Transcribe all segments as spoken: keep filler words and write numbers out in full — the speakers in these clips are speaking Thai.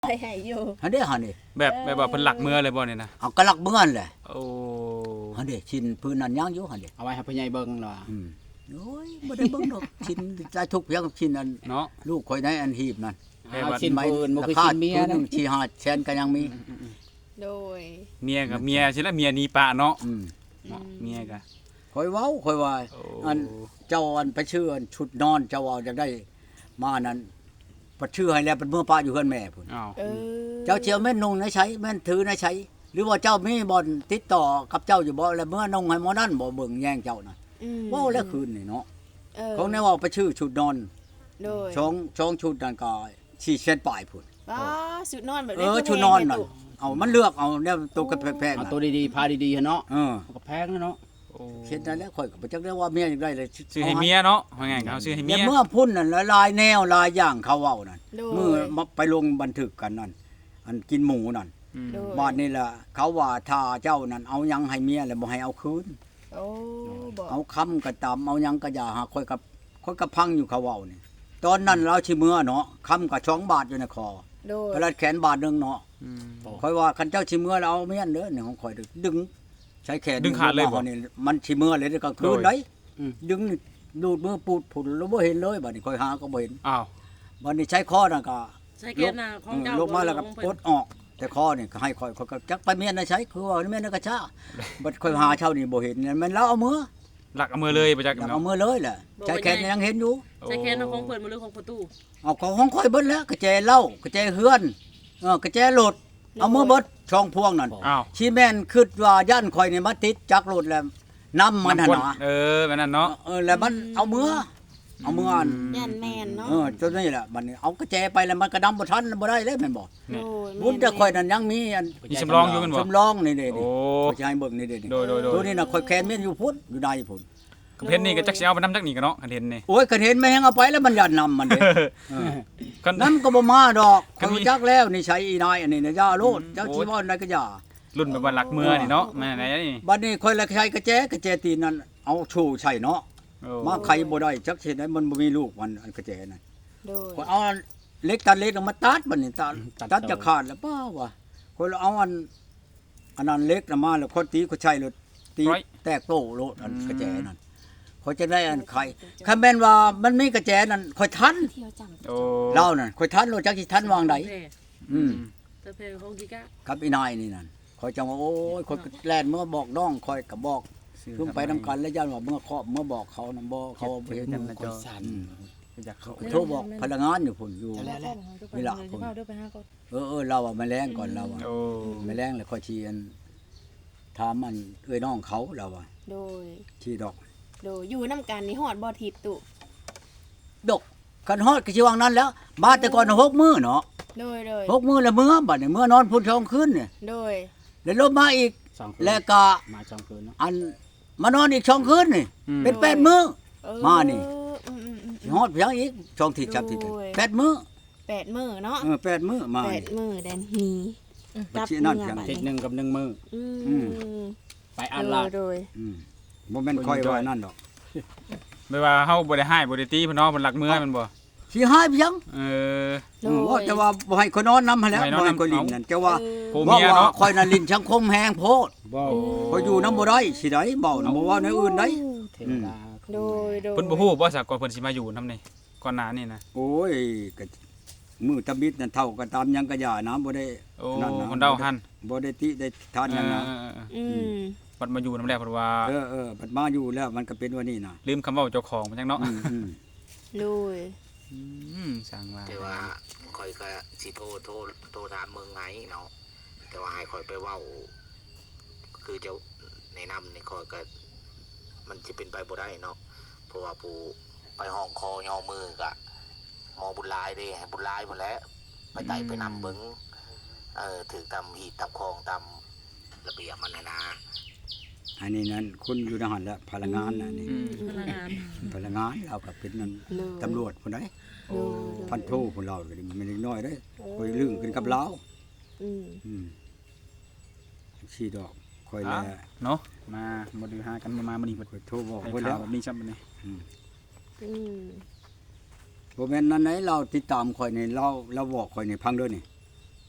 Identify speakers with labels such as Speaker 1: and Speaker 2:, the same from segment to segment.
Speaker 1: ไปให้อยู่
Speaker 2: หันเด้หันนี่
Speaker 3: แบบแบบว่าเพิ่นหลักเมือเลยบ่นี่นะ
Speaker 2: เอาก็หลักเมือนแหละ
Speaker 3: โอ้
Speaker 2: หันเด้ชิ้นพื้นนั้นยังอยู่หันเด้
Speaker 4: เอาไว้ให้พ่อใหญ่เบิ่งล่ะ
Speaker 2: อืมโอ้ยบ่ได้เบิ่งดอกชิ้นใจทุกเพียงชิ้นอันเนาะลูกข่อยในอันหีบนั่น
Speaker 4: เอาชิ้นปืนบ่คือชิ้นเมีย
Speaker 2: นึงสี่ ห้าแสนก็ยังมี
Speaker 1: โดย
Speaker 3: เมียกับเมียสิละเมียหนีป่าเนาะ
Speaker 2: อืม
Speaker 3: เมียก็
Speaker 2: ข่อยเว้าข่อยว่าอันเจ้าอันไปชื่ออันชุดนอนเจ้าเอาจังได้มานั้นบ่ชื่อให้แล้วเป็นเมื่อป้าอยู่เฮือนแม่พุ่น
Speaker 3: อ้าว
Speaker 2: เจ้าเจียวแม่นนุ่งนะใช้แม่นถือนะใช้หรือว่าเจ้ามีบ่อนติดต่อกับเจ้าอยู่บ่แล้วเมื่อนุ่งให้หมอนั่นบ่เบิ่งแย่งเจ้าน่ะเว้าแล้วคืนนี่เนาะของแนวว่าไปชื่อชุดนอน
Speaker 1: โดย
Speaker 2: ช่องช่องชุดนั่นก็สี่เส้นปลายพุ่น
Speaker 1: อ๋อชุดนอนแบบ
Speaker 2: นี้เออชุดนอนนั่นเอามันเลือกเอาแนวตัวกระแพงๆ
Speaker 4: เอาตัวดีๆพาดีๆเนาะ
Speaker 2: เออ
Speaker 4: ก็แพงเนาะ
Speaker 2: เฮ็ดได้แล้วข่อยก็บ่จักได้ว่าเมียจังได๋เลย
Speaker 3: ซื้อให้เมียเนาะว่าไงเขาซื้อให้เมีย
Speaker 2: เมื่อพุ่นนั่นหลายแนวหลายอย่างเขาเว้านั่นมื้อมาไปลงบันทึกกันนั่นอันกินหมูนั่นบ้านนี่ล่ะเขาว่าถ้าเจ้านั่นเอาหยังให้เมียแล้วบ่ให้เอาคืน
Speaker 1: โอ้บ่
Speaker 2: เอาคำก็ตามเอาหยังก็อย่าหาข่อยกับข่อยก็พังอยู่เขาเว้านี่ตอนนั้นเราสิเมื่อเนาะคำก็สองบาทอยู่ในคอ
Speaker 1: โดย
Speaker 2: กระดาษแขนบาทนึงเนาะข่อยว่าคันเจ้าสิเมื่อแล้วเอาเมียนเด้อนี่ของข่อยดึงใช้แขน
Speaker 3: ดึงขาดเลยบ่
Speaker 2: นี่มันสิเมื่อเลยก็คืนได้ดึงดูดมือปูดผุดแล้วบ่เห็นเลยบัดนี้ค่อยหาก็บ่เห็น
Speaker 3: อ้าว
Speaker 2: บัดนี้ใช้คอนั่นก็
Speaker 5: ใช้แขนน่ะของเจ้า
Speaker 2: ลงมาแล้วก็ปลดออกแต่คอนี่ก็ให้ค่อยก็จักไปเมียนน่ะใช้คือว่าเมียนก็ช้าบัดค่อยหาเช้านี่บ่เห็นมันแล้วเอามือ
Speaker 3: หลักเอามือเลยบ่จัก
Speaker 2: เอามือเลยแหละใช้แขนยังเห็นอยู่
Speaker 5: ใช้แขนของเพิ่นบ่หรือของประตู
Speaker 2: เอาของของค่อยเบิดแล้วกระแจเหล้ากระแจเฮือนเออกระแจรถเอามือเบิดช่องพวงนั่นชีแม่นคิดว่าย่านข่อยนี่มาติดจักรถแล้วนำมันน่ะนะ
Speaker 3: เออแบบนั้นเนาะ
Speaker 2: เออแล้วมันเอามือเอามืออัน
Speaker 1: ยันแม่นเนาะ
Speaker 2: เออจนนี่แหละมันเอากระแจไปแล้วมันก็นำบ่ทันบ่ได้เลยแม่นบ่บุญแต่ข่อยนั่นยังมีอัน
Speaker 3: มีสำรองอยู่แม่นบ่
Speaker 2: สำรองนี่เด้นี่ข่อยสิให้เบิ่งนี่เด้นี่
Speaker 3: โดยๆๆ
Speaker 2: ตัวนี้น่ะข่อยแคนเมียนอยู่พุ่นอยู่ในพุ่น
Speaker 3: กระเพ็นนี่ก็จักสิเอาไปนำจักนี่ก็เนาะกระเพ็นนี่
Speaker 2: โอ้ยกระเห็นแม่งเอาไปแล้วมันยันนำมันเด้เออนั้นก็บ่มาดอกข่อยจักแล้วนี่ใช้อีนายอันนี้นะย่าโลดเจ้าชีวอนได้ก็ย่า
Speaker 3: รุ่นแบบว่าหลักเมือนี่เนาะแม่ไหนนี่
Speaker 2: บัดนี้ข่อยละใช้กระแจกระแจตีนนั่นเอาชูใช่เนาะมาไขบ่ได้จักเฮ็ดให้มันบ่มีลูกมันอันกระแจนั่น
Speaker 1: โดย
Speaker 2: ข่อยเอาเล็กตัดเล็กมาตัดบัดนี้ตัดตัดจะขาดแล้วป้าว่าข่อยเอาอันอันนั้นเล็กน่ะมาแล้วข่อยตีข่อยใช้รถตีแตกโตโลดอันกระแจนั่นข่อยจะได้อันไขคันแม่นว่ามันมีกระแจนั่นข่อยทัน
Speaker 3: โอ้
Speaker 2: เล่านั่นข่อยทันโลดจักสิทันวางใดอืม
Speaker 5: ตะเพของกิกะ
Speaker 2: กับอีนายนี่นั่นข่อยจังว่าโอ้ยข่อยแล่นเมื่อบอกน้องข่อยก็บอกคือไปนำกันแล้วย่านว่าเมื่อเคาะเมื่อบอกเขานำบ่เขาบ่เห็นนำข่อยสั่นอยากเขาโทรบอกพนักงานอยู่พุ่นอยู่นี่ล่ะพุ่นเออๆเราอ่ะมาแรงก่อนเราอ่ะ
Speaker 3: โอ้
Speaker 2: มาแรงแล้วค่อยชี้อันถามมันเอ้ยน้องเขาเราอ่ะ
Speaker 1: โดย
Speaker 2: ชี้ดอก
Speaker 1: โดยอยู่นำกันนี่ฮอดบ่ทิพตุ
Speaker 2: ดกคันฮอดก็สิวางนั้นแล้วมาแต่ก่อนหกมื้อเนาะ
Speaker 1: โดย
Speaker 2: ๆหกมื้อแล้วมื้อบัดนี้มื้อนอนพุ่นสองคืนนี่
Speaker 1: โดย
Speaker 2: แล้วลบมาอีกแล้วก็
Speaker 4: มาสองคืนเนาะ
Speaker 2: อันมานอนอีกสองคืนนี่เป็นแปดมื้อมานี่ฮอดเพียงอีกสองทิศสามทิศแปดมื้อ
Speaker 1: แปดมื้อเนาะ
Speaker 2: เออแปดมื้อมา
Speaker 1: แปดมื้อแดนฮี
Speaker 2: กับนั่นเพียง
Speaker 4: ทิศนึงกับหนึ่งมื้อ
Speaker 1: อืม
Speaker 4: ไปอันละ
Speaker 1: โดย
Speaker 2: อืมบ่แม่นค่อยว่านั่นดอก
Speaker 3: ไม่ว่าเฮาบ่ได้ให้บ่ได้ตีเพิ่นเนาะเพิ่นหลักเมือมันบ่
Speaker 2: สิหายเพียง
Speaker 3: เออ
Speaker 2: ว่าแต่ว่าบ่ให้คนนอนนำหั่นแหล้วบ่ให้คนลิ้นนั่นแต่ว่าว่าว่าข่อยน่ะลิ้นสังคมแฮงโพด
Speaker 4: บ่
Speaker 2: ข่อยอยู่นำบ่ได้สิได้เว้านำบ่ว่าในอื่นได้
Speaker 1: โดย
Speaker 3: ๆเพิ่นบ่ฮู้บ่ซะก่อนเพิ่นสิมาอยู่นำนี่ก่อนหน้านี่นะ
Speaker 2: โอ้ยก็มือตะบิดนั่นเท่ากันตามยังกะย่านะบ่ได้
Speaker 3: นั่นนะคนเดาหั่น
Speaker 2: บ่ได้ติได้ทานหยังนะ
Speaker 1: อืม
Speaker 3: บัดมาอยู่นำแล้วเพิ่นว่า
Speaker 2: เออๆบัดมาอยู่แล้วมันก็เป็นว่านี่น่ะ
Speaker 3: ลืมคำเว้าเจ้าของมันจังเนาะ
Speaker 2: อืม
Speaker 1: โดย
Speaker 3: อืมสร้างว่า
Speaker 6: แต่ว่าข่อยก็สิโทรโทรโทรถามเมืองไงเนาะแต่ว่าให้ข่อยไปเว้าคือเจ้าแนะนำนี่ข่อยก็มันสิเป็นไปบ่ได้เนาะเพราะว่าผู้ไปห้องคอย่อมือก็หมอบุญหลายเด้ให้บุญหลายพุ่นแหละไปไต่ไปนำเบิ่งเอ่อถือตามหีบตามคลองตามระเบียบมันนะ
Speaker 2: อันนี้นั่นคุณอยู่ในหันแล้วพลังงานน่ะนี่
Speaker 5: พลังงาน
Speaker 2: พลังงานเราก็เป็นนั่นตำรวจพุ่นได้พันโทพุ่นเราก็มันเล็กน้อยเด้ค่อยลึงขึ้นกับเราอืมอืมสิดอกค่อยแล
Speaker 3: เนาะมาบ่ได้หากันมามื้อนี้เพิ่น
Speaker 2: ค่อยโทรบอกเพิ่นแล้ว
Speaker 3: แบบนี้ซ้ํบัดนี้
Speaker 2: อืมอืมบ่แม่นนั่นไหนเราติดตามข่อยนี่เราเราบอกข่อยนี่พังเด้อนี่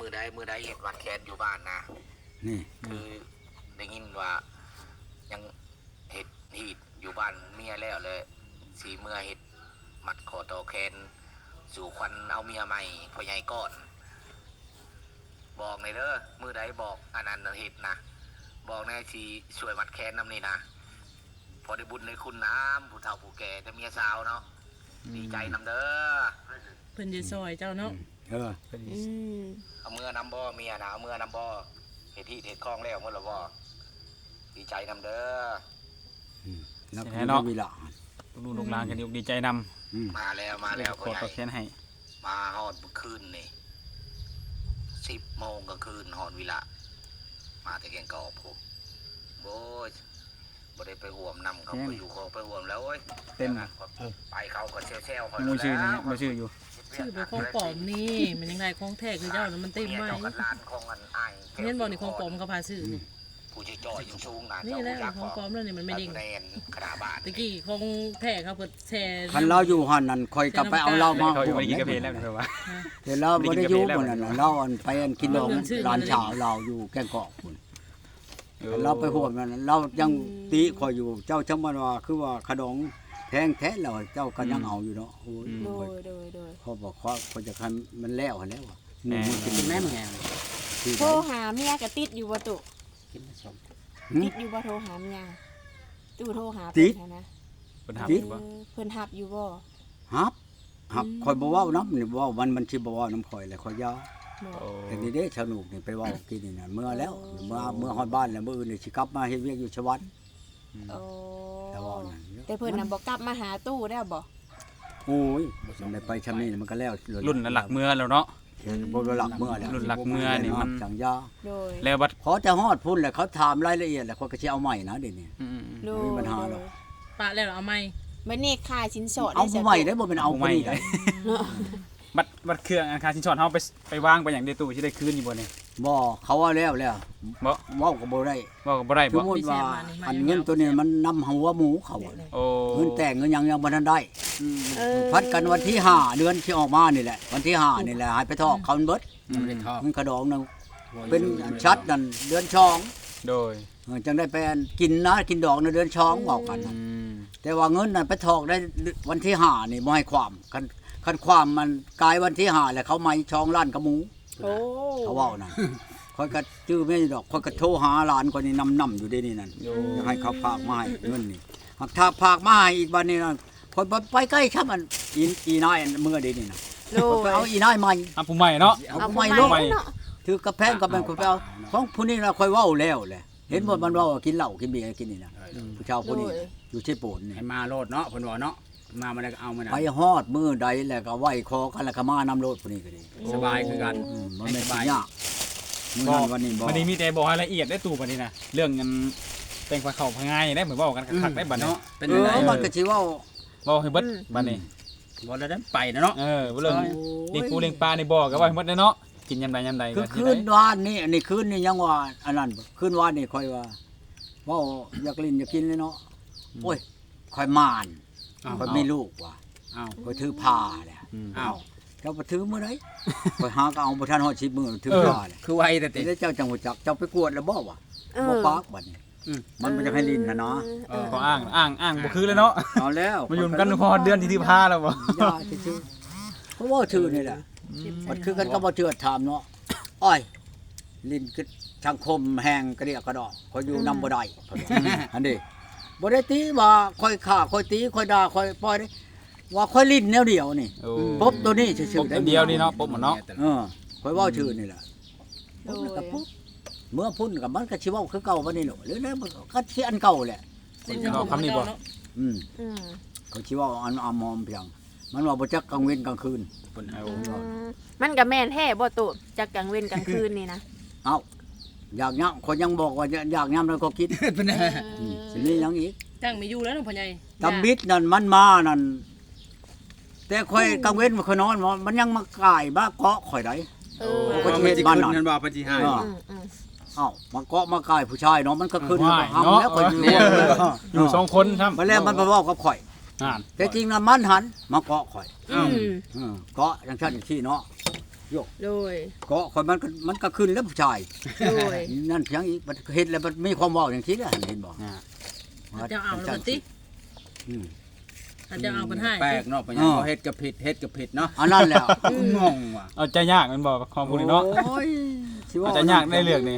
Speaker 6: อใดมือใดเห็นวัดแคนอยู่บ้านนะ
Speaker 2: นี่
Speaker 6: คือได้ยินว่ายังเห็ดหีดอยู่บ้านเมียแล้วเลยสีเมื่อเห็ดมัดคอตอแคนสู่ควันเอาเมียใหม่พ่อใหญ่ก่อน บอกในอยเด้อมือใดบอกอันนั้นเห็ดนะบอกในสีช่วยมัดแคนน้ำนี่นะพอได้บุญในคุณน้ำผู้เฒ่าผู้แก่แต่เมียสาวเนาะดีใจนำเด้อ
Speaker 5: เพิ่นจะซอยเจ้าเนาะ
Speaker 2: เออ
Speaker 1: อืม
Speaker 6: เอาเมื่อนำบ่เมียนะเอาเมื่อนำบ่เห็ดที่เห็ดคลองแล้วเมื่อละบ่ดีใจนำเด้อ
Speaker 2: แล้ว
Speaker 3: ใช่
Speaker 2: ก็
Speaker 3: เนาะ
Speaker 2: มีละ
Speaker 3: ลูกๆลูกหลานกันดีอกดีใจนำ
Speaker 2: อืม
Speaker 6: มาแล้วมาแล้ว
Speaker 3: ข
Speaker 6: พ่
Speaker 3: อ
Speaker 6: อให
Speaker 3: ต
Speaker 6: ญ่
Speaker 3: อบแทนให้
Speaker 6: มาหอดเมื่อคืนนี่สิบโมงกลางคืนหอดวิละมาแต่แกงกอกผมโอ้ยบ่ได้ไปห่วมนำเขาไปอยู่เขาไปห่วมแล้วโอ้ย
Speaker 3: เต็ม
Speaker 6: ไปเขาก็เซลล์ๆคอย
Speaker 3: บ่ชื่อนี่บ่ชื่ออยู่
Speaker 5: ชื่อเป็นของปลอมนี่มันยังไงของแท้คือเจ้าน่ะมันเต็มไว้
Speaker 6: เจ้ากันลานของอันอ้าย
Speaker 5: เห็นบ่นี่ของปลอมเขาพาซื้อนี่
Speaker 6: ผู้ชื่อจอยอยู่สูงนะ
Speaker 5: นี่แหละของปลอมแล้วนี่มันไม่ดิ่ง
Speaker 6: แนนขนาดบ้าน
Speaker 5: ตะกี้ของแท้เขาเปิดแชร์
Speaker 2: คันเราอยู่หันนั่นคอยกลับไปเอาเหล้ามา
Speaker 3: เขาอยู่บ่ได้กินกาแฟแล้วเพิ่นว่า
Speaker 2: เดี๋ยวเราบ่ได้อยู่บ่นั่นน่ะเราอันไปอันกินดองร้านชาวเราอยู่แกงกอกพุ่นเราไปห่วงนั่นเรายังติคอยอยู่เจ้าจังมันว่าคือว่าขนมแพงแท้แล้วเจ้าก็ยังเอาอยู่เนาะโอ้ย
Speaker 1: โดยโดยโดย
Speaker 2: เขาบอกเขาเขาจะคันมันแล้วหั้นแล้วอะหมู่มันกินแม่มึงแฮงที่
Speaker 1: โทรหาเมียก็ติดอยู่บ่ตุ
Speaker 4: กินผสม
Speaker 1: ติดอยู่บ่โทรหาเมียตู่โทรหา
Speaker 2: ติด
Speaker 1: เพิ่นนะ
Speaker 3: เพิ่นหา
Speaker 1: เอ
Speaker 3: อยู่บ่
Speaker 1: อเพิ่นรับอยู่บ่
Speaker 2: ฮับฮับคอยบ่เว้านํนี่บ่เว้ามันมันสิบ่เว้านํข่อยแหละข่อยยา
Speaker 1: บ่
Speaker 3: โอ้
Speaker 2: แต่นี่เด้ชาวนุกนี่ไปเว้ากินนี่น่ะเมื่อแล้วเมื่อเมื่อฮอดบ้านแล้วมื้ออื่นนี่สิกลับมาเฮ็ดเวียกอยู่ชวัด
Speaker 1: โอ้
Speaker 2: แต่ว่านั่น
Speaker 1: แต่เพิ่นน่ะบ่กลับมาหาตู้ได้บ่
Speaker 2: โอ้ยมันได้ไปชำนี้มันก็แล้ว
Speaker 3: รุ่นหลักเมืองแล้วเนาะ
Speaker 2: บ่หลักเมื่อแล้ว
Speaker 3: รุ่นหลักเมืองนี่มัน
Speaker 2: จังยา
Speaker 1: โดย
Speaker 3: แล้วบัด
Speaker 2: ขอแต่ฮอดพุ่นแหละเขาถามรายละเอียดแล้วเขาก็สิเอาใหม่นะเดี๋ยวนี้
Speaker 3: อืม
Speaker 1: โด
Speaker 2: ไม่
Speaker 1: ย
Speaker 2: มีปัญหาหรอก
Speaker 5: ปะแล้วเอาไหม
Speaker 1: บัดนี้ค่าสินสอด
Speaker 2: เอา
Speaker 1: ได้
Speaker 2: ผู้ใหม่ได้บ่เป็นเอาผู้นี้ได้
Speaker 3: บัดบัดเครื่องอันคาสินสอดเฮาไปไปวางไปหยังในตู้สิได้คืนอยู่บ่เนี่ย
Speaker 2: บ่เขาว่าแล้วแล้ว
Speaker 3: บ่
Speaker 2: เว้าก็บ่ได้
Speaker 3: ว่าก็บ่ได้
Speaker 2: สม
Speaker 3: บ่
Speaker 2: มุติว่าอันเงินตัวนี้มันนำหัวหมูเขาอะ
Speaker 3: โอ้
Speaker 2: เงินแต่งเงินหยังยังบ่ทันได้
Speaker 1: เออ
Speaker 2: พัดกันวันที่ห้าเดือนที่ออกมานี่แหละ วันที่ห้านี่แหละให้ไปทอกเขาเบิด
Speaker 4: ยังไม่ได้ทอด
Speaker 2: เงินกระดองนึงเป็นชัดนั่นเดือนช่อง
Speaker 3: โดย
Speaker 2: เออจังได้ไปอันกินนะกินดอกในเดือนช่องเว้ากัน
Speaker 3: อื
Speaker 2: น่ะ
Speaker 3: ม
Speaker 2: แต่ว่าเงินนั่นไปทอกได้วันที่ห้านี่บ่ให้ความคันคันความมันกลายวันที่ห้าแล้วเขาไม่ช่องล้านกระหมู
Speaker 1: โอ้
Speaker 2: เขาเว้านั่นคอยก็ชื่อไม่ดอกคอยก็โทรหาหลานคนนี้นำๆอยู่เด้นี่นั่น
Speaker 3: โย
Speaker 2: จะให้เขาฝากมาให้เงินนี่หากถ้าฝากมาให้อีกวันนี้นั่นคนบ่ไปใกล้ช่ำมันอีอีนายอันเมื่อเดีนี่นะ
Speaker 1: โด
Speaker 2: คนไป
Speaker 1: ย
Speaker 2: เอาอีนายใหม่
Speaker 3: อ่ะผู้ใหม่เนาะ
Speaker 2: เอา
Speaker 1: เอา
Speaker 2: ผู้
Speaker 1: ให
Speaker 2: ให
Speaker 1: ม่
Speaker 2: ม่
Speaker 1: ล
Speaker 2: ล
Speaker 1: ง
Speaker 2: งถือกระแพงกับเป็นคนไปเอาของผู้นี้เราค่อยเว้าแล้วแหละเห็นหมดมันเว้าว่ากินเหล้ากินเบียร์กินนี่นะผู้ชาวผู้นี้
Speaker 1: โดย
Speaker 2: อยู่ที่โปนนี่
Speaker 4: ให้มาโลดเนาะเพิ่นว่าเนาะมามาได้ก็เอามานะ
Speaker 2: ไปฮอดมือใดแล้วก็ไหว้คอกันแล้วก็มานำโลดผู้นี้ก็ดี
Speaker 4: สบายคือกัน
Speaker 2: อืมมันไม่
Speaker 4: สบาย
Speaker 2: ยากมื้อนั้นวันนี้บ่
Speaker 3: วันนี้มีแต่บอกรายละเอียดได้ตู้บัดนี้นะเรื่องเงินแต่งปลาเข้าพะง่ายได้เหมือนเว้ากันคักๆได้บัดนี้
Speaker 4: เนาะเป็น
Speaker 2: เอ
Speaker 4: จังได
Speaker 2: อมันก็สิเว้า
Speaker 3: เว้าให้เบิดบัดนี้
Speaker 4: บ่ได้ได้ไปนะเนาะ
Speaker 3: เออเรื่องเลี้ยงปูเลี้ยงปลาในบ่อก็ว่าให้หมดเลยเนาะกินยามใดยามใด
Speaker 2: คือ
Speaker 3: ก็
Speaker 2: คืนวานนี่อันนี้คืนนี่ยังว่าอันนั้นบ่คืนวานนี่ค่อยว่าเว้าอยากลิ้นอยากกินเลยเนาะโอ้ยค่อยมาน
Speaker 4: อ้าว
Speaker 2: ค่อยมีลูกว่ะ
Speaker 4: อ้าว
Speaker 2: ค่อยถือผ้าแหละ
Speaker 3: อืม
Speaker 4: อ้าว
Speaker 2: เจ้าบ่ถือมื้อใดค่อยหาก็เอาบ่ทันฮอดสิบมื้อถือผ้าแหละ
Speaker 4: คือไวแต่ติ
Speaker 2: แล้วเจ้าจังฮู้จักเจ้าไปกวดแล้วบ่วะ
Speaker 1: เอ
Speaker 2: บ่
Speaker 1: อ
Speaker 2: ปากบัดนี้
Speaker 4: อืม
Speaker 2: มันบ่จะให้ลิ้นนะเนาะ
Speaker 1: เออ
Speaker 3: ก็อ้างอ้างอ้างบ่คือเลยเนาะ
Speaker 2: เอาแล้ว
Speaker 3: มาอยู่กันพอเดือนที่ที่พาแล้วบ่
Speaker 2: ยาซื่อๆเพราะว่าชื่อนี่แหละมันคือกันก็บ่เชื่อถามเนาะอ้อยลิ้นคือสังคมแห้งกระเดียกกระดอกคอยอยู่นำบ่ได้อันนี้บ่ได้ตีว่าคอยฆ่าคอยตีคอยด่าคอยปล่อยได้ว่าคอยลิ้นแนวเดียวนี่
Speaker 3: โอ้
Speaker 2: ปบตัวนี้ซื่อ
Speaker 3: ปบ
Speaker 2: ๆ
Speaker 3: อันเดียวนี่เนาะปบหมดเนาะ
Speaker 2: เออคอยเว้าชื่อนี่แหละ
Speaker 1: โด
Speaker 2: ปุ๊บแล้ว
Speaker 1: ย
Speaker 2: ก็ปุ๊บเมื่อพุ่นกับมันก็สิเว้าคือเก่าบ่นี่หรอกหรือแล้วมันก็สิอันเก่าแหละ
Speaker 3: คำนี้บ่
Speaker 2: อืม
Speaker 1: อืม
Speaker 2: เขาสิเว้าอันอามอมเพียงมันว่าบ่จักกลางเว้นกลางคืน
Speaker 4: เพิ่นเอา
Speaker 1: อืมมันก็แม่นแท้บ่ตุจากกลางเว้นกลางคืนนี่นะ
Speaker 2: เอ้าอยากย่ํคนยังบอกว่าอยากย่ํแล้วก็คิด
Speaker 4: เพิ่น
Speaker 2: อืมสิมีหยังอีก
Speaker 5: จ้างไม่อยู่แล้วน้องพ่อใหญ่
Speaker 2: ตำบิดนั่นมันมานั่นแต่ค่อยกลางเว้นมันค่อยนอนมันยังมากายมาเกาะข่อยได้
Speaker 1: เอ
Speaker 2: โอ้
Speaker 1: อ
Speaker 2: ก็สิเฮ็ดบ้านหน่อย
Speaker 4: นั่นบ่เพิ่นสิให้
Speaker 2: เออ
Speaker 1: อืมอืม
Speaker 2: เอ้ามาเกาะมากายผู้ชายเนาะมันก็ขึ้น
Speaker 3: ว่าย
Speaker 2: ห้าม
Speaker 3: เนาะ
Speaker 2: แล้วข่อยอยู่
Speaker 3: อยู่สองคนครับ
Speaker 2: มาแล้วมันมาเว้ากับข่อย
Speaker 3: อ่าน
Speaker 2: แต่จริงน่ะมันหันมาเกาะข่อย
Speaker 1: อืม
Speaker 2: เออเกาะจังซั่นจังซี่เนาะ
Speaker 1: โดย
Speaker 2: เกาะคนมันก็มันก็ขึ้นแล้วผู้ชาย
Speaker 1: โดย
Speaker 2: นั่นเพียงอีกมันเฮ็ดแล้วมันมีความเว้าอย่างที่แล้วเห็นบ่
Speaker 3: อ่า
Speaker 5: เจ้าเอาแล้วบัดติ
Speaker 2: อืม
Speaker 5: ถ้าเจ้าเอาเพิ่นให้
Speaker 4: แปลกเนาะเพิ่นยังบ่เฮ็ดก็ผิดเฮ็ดก็ผิดเนาะ
Speaker 2: อันนั้นแหละ
Speaker 4: งงว่ะ
Speaker 3: เอาใจยากแมันบ่ของพวกนี้เนาะ
Speaker 2: โอ้ยสิว่า
Speaker 3: เอาใจยากได้เรื่องนี้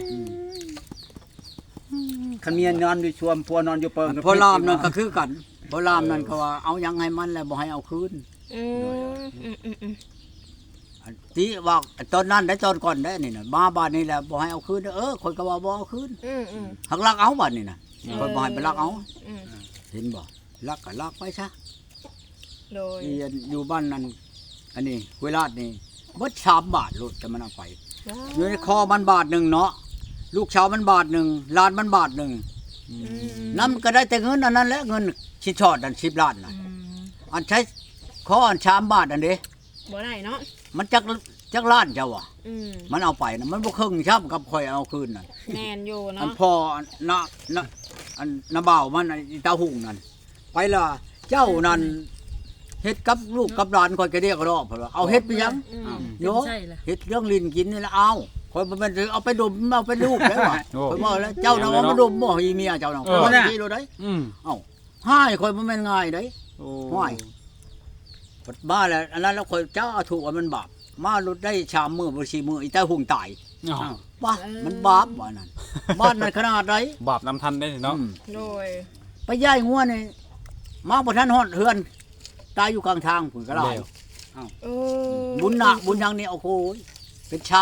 Speaker 4: คันเมียนอนอยู่ชวมพัวนอนอยู่เปิง
Speaker 2: พอลามนั่นก็คือกันพอลามนั่นก็ว่าเอายังให้มันแล้วบ่ให้เอาคืน
Speaker 1: อืมอืมอืมอืม
Speaker 2: อันที่ว่าตอนนั้นได้ตอนก่อนได้นี่น่ะมาบ้านนี่แหละบ่ให้เอาคืนเออคนก็ว่าบ่เอาคืน
Speaker 1: อืมอืม
Speaker 2: หักลักเอาบัดนี่น่ะคนบ่ให้ไปลักเอา
Speaker 1: อืม
Speaker 2: เห็นบ่ลักก็ลักไปซะ
Speaker 1: โดย
Speaker 2: อีอันอยู่บ้านนั้นอันนี้เวลาดนี่เบิดสามบาทโลดจะมันเอาไปอยู่ในคอมันบาทหนึงเนาะลูกชาวมันบาทหนึงหลานมันบาทหนึง
Speaker 1: อืม
Speaker 2: นำก็ได้แต่เงินอันนั้นแหละเงินชิดชอดอันสิบล้านน่ะ
Speaker 5: อืม
Speaker 2: อันใช้คออันสามบาทอันเด้
Speaker 1: บ่ได้เนาะ
Speaker 2: มันจักจักล้านเจ้าว่ะ
Speaker 1: อืม
Speaker 2: มันเอาไปนะมันบ่ครึ่งช้ำกับข่อยเอาคืนน่ะ
Speaker 1: แม่นอยู่
Speaker 2: อัน
Speaker 1: เนาะ
Speaker 2: พ่อนะนะอันนาบ่าวมันอันอีตาหุ่งนั่นไปละเจ้านั่นเฮ็ดกับลูกกับหลานข่อยก็เรียกรอบเพิ่นว่าเอาเฮ็ดไปยัง
Speaker 1: อืม
Speaker 2: โย
Speaker 5: ใช่ล่ะ
Speaker 2: เฮ็ดเรื่องลิ้นกินนี่ละเอาข่อยบ่แม่นสิเอาไปดมเอาไปลูกแล้วว่ะ
Speaker 3: โอ้
Speaker 2: ข่อยบอกแล้วเจ้าน่ะเอามาดมบ่อีเมียเจ้าน่ะ
Speaker 3: เออ
Speaker 2: ข่อยสิโลดได้
Speaker 3: อืม
Speaker 2: เอ้าห้ายข่อยบ่แม่นง่ายเด้
Speaker 3: โอ้
Speaker 2: ห้วย พดบ้าแล้วอันนั้นแล้วข่อยเจ้าเอาถูกว่ามันบาปมาลดได้ชามมื้อบ่สี่มื้ออีตาหุ่งตาย
Speaker 3: อ้าว
Speaker 2: บ้ามันบาปว่านั่นบ้านนั้นขนาดใด
Speaker 3: บาปนำทันได้เนาะ
Speaker 2: อืม
Speaker 1: โดย
Speaker 2: ไปย่ายงัวนี่มาบ่ทันฮอดเฮือน ตายอยู่กลางทางพุ่นก็ได้
Speaker 3: แล้ว
Speaker 1: เออ
Speaker 2: บุญหนักบุญยังนี่โอ้โหเป็นเช้า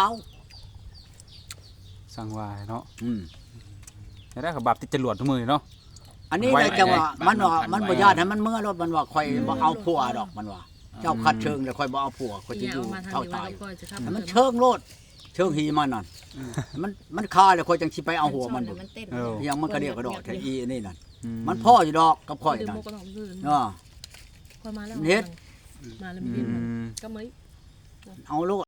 Speaker 3: สั่งว่าเนาะ
Speaker 2: อืม
Speaker 3: ได้กับบาปติดจรวดทุกมือเนาะ
Speaker 2: อันนี้
Speaker 3: ไว้
Speaker 2: ได้จังว่า
Speaker 4: ไว้
Speaker 2: มันว่า
Speaker 4: ไว้
Speaker 2: มันบ่ญาติให้มันเมื่อรถมันว่าข่อยบ่เอาผัวดอกมันว่า เจ้าคัดเชิงแล้วข่อยบ่เอาผัวข่อย
Speaker 5: อ
Speaker 2: จะ
Speaker 5: ย่า
Speaker 2: อยู่
Speaker 5: เอามาทาง
Speaker 2: เท่า
Speaker 5: นี้ไว้
Speaker 2: ตาย
Speaker 5: แล้วก็จะครับ
Speaker 2: ให้มันเชิงโลดเชิงหีมันนั่นมันมันคาแล้วข่อยจังสิไปเอาหัวมันบ่
Speaker 1: มันเต้น
Speaker 3: เออ
Speaker 2: ยังมันก็เรียกกระดอกแต่อีนี่นั่น
Speaker 3: อื
Speaker 2: มันพ่ออยู่ดอกกับข่อย
Speaker 5: ดื่ม
Speaker 2: นั่น
Speaker 5: โมกก็ต้องดื่ม
Speaker 2: เนาะ
Speaker 5: ค่อยมาแล้ว
Speaker 2: เฮ็ด
Speaker 5: มาแล้ว
Speaker 3: อื
Speaker 5: มีเย็น
Speaker 3: ม
Speaker 5: ก็มื้อ
Speaker 2: เอาโลด